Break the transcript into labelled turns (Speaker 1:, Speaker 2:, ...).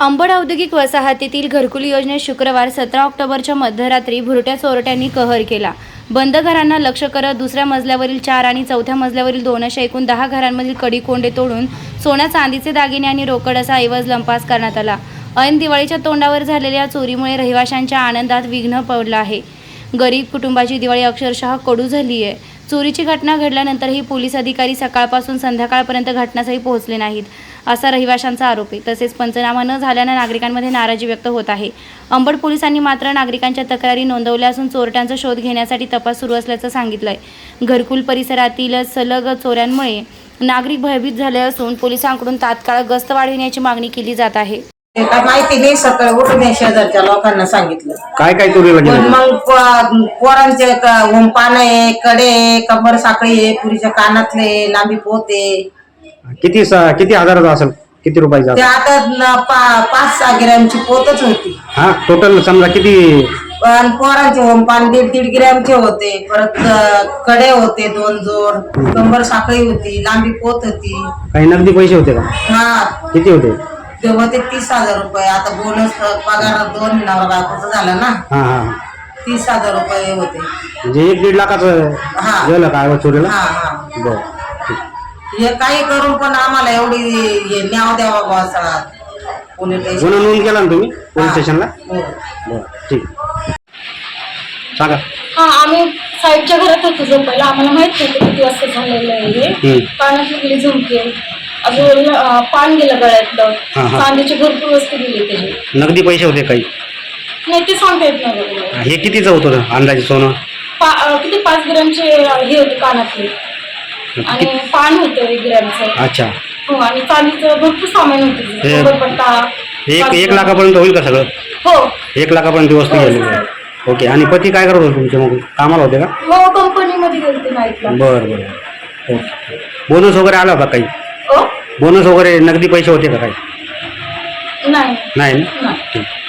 Speaker 1: अंबड औद्योगिक वसाहतीतील घरकुल योजनेत शुक्रवार 17 ऑक्टोबरच्या मध्यरात्री भुरट्या चोरट्यांनी कहर केला. बंद घरांना लक्ष्य करत दुसऱ्या मजल्यावरील 4 आणि चौथ्या मजल्यावरील 2 अशा एकूण 10 घरांमधील कडी कोंडे तोडून सोन्या चांदीचे दागिने आणि रोकड असा ऐवज लंपास करण्यात आला. ऐन दिवाळीच्या तोंडावर झालेल्या चोरीमुळे रहिवाशांच्या आनंदात विघ्न पडलं आहे. गरीब कुटुंबाची दिवाळी अक्षरशः कडू झाली आहे. चोरीची घटना घडल्यानंतरही पोलीस अधिकारी सकाळपासून संध्याकाळपर्यंत घटनास्थळी पोहोचले नाहीत असा रहिवाशांचा आरोप आहे. तसेच पंचनामा न झाल्यानं नागरिकांमध्ये नाराजी व्यक्त होत आहे. अंबड पोलिसांनी मात्र नागरिकांच्या तक्रारी नोंदवल्या असून चोरट्यांचा शोध घेण्यासाठी तपास सुरू असल्याचं सांगितलंय. घरकुल परिसरातील सलग चोऱ्यांमुळे नागरिक भयभीत झाले असून पोलिसांकडून तात्काळ गस्त वाढविण्याची मागणी केली जात आहे.
Speaker 2: काय माहिती नाही, सकाळी उठून शेजारच्या लोकांना सांगितलं.
Speaker 3: काय काय चोरीला गेलं?
Speaker 2: मग पोरांचे पान आहे, कडे आहे, कंबर साखळी आहे, पुरीच्या कानातले, लांबी पोते.
Speaker 3: किती हजाराचा असेल? किती रुपयाचा?
Speaker 2: ते आता 5-6 ग्रॅमची पोतच होती.
Speaker 3: हा, टोटल समजा किती?
Speaker 2: पण पोरांचे होमपान 1.5 ग्रॅमचे होते. परत कडे होते 2 जोड, कंबर साखळी होती, लांबी पोत होती.
Speaker 3: काही नगदी पैसे होते का?
Speaker 2: हा,
Speaker 3: किती होते?
Speaker 2: तेव्हा ते 30,000 रुपये. आता बोनस पगार 2 नवरा बायकोचा झाला ना.
Speaker 3: हा हा,
Speaker 2: 30,000 रुपये होते.
Speaker 3: म्हणजे 1-1.5 लाखाचं गेलं का चोरीला?
Speaker 2: हा हा.
Speaker 3: बरं,
Speaker 2: हे काही करून पण आम्हाला एवढी न्याव द्यावा बसा. पोलीस स्टेशन
Speaker 3: गुन्हा नोंद केला ना तुम्ही पोलीस स्टेशनला?
Speaker 2: हो.
Speaker 3: बरं, ठीक सांगा.
Speaker 4: हा, आम्ही साईडच्या घरात होतो झोपायला. आम्हाला माहित नव्हतं किती वाजता झालेलं आहे हे. कानातली गेली झुमके, अजून पान गेलं गळ्यातलं, चांदीची भरपूर वस्तू गेली त्याची.
Speaker 3: नगदी पैसे होते काही?
Speaker 4: नाही, ते सांगता येत नाही.
Speaker 3: हे कितीचं होतं अंदाजे सोनं?
Speaker 4: किती 5 ग्रॅमचे हे होते कानातले आणि पान होतं 1 ग्रॅमचं.
Speaker 3: अच्छा.
Speaker 4: हो, आणि चांदीचं भरपूर सामान होतं. पट्टा
Speaker 3: 1 लाखापर्यंत होईल का सगळं?
Speaker 4: हो,
Speaker 3: 1 लाखापर्यंत वस्तू गेली. ओके. आणि पती काय करत होते तुमचे? मग कामाला होते का?
Speaker 4: हो, कंपनीमध्ये गेलते नाईटला.
Speaker 3: बरं बरं. ओके. बोनस वगैरे आला होता काही?
Speaker 4: हो,
Speaker 3: बोनस वगैरे नगदी पैसे होते का काही?
Speaker 4: नाही
Speaker 3: नाही
Speaker 4: नाही.
Speaker 3: ठीक.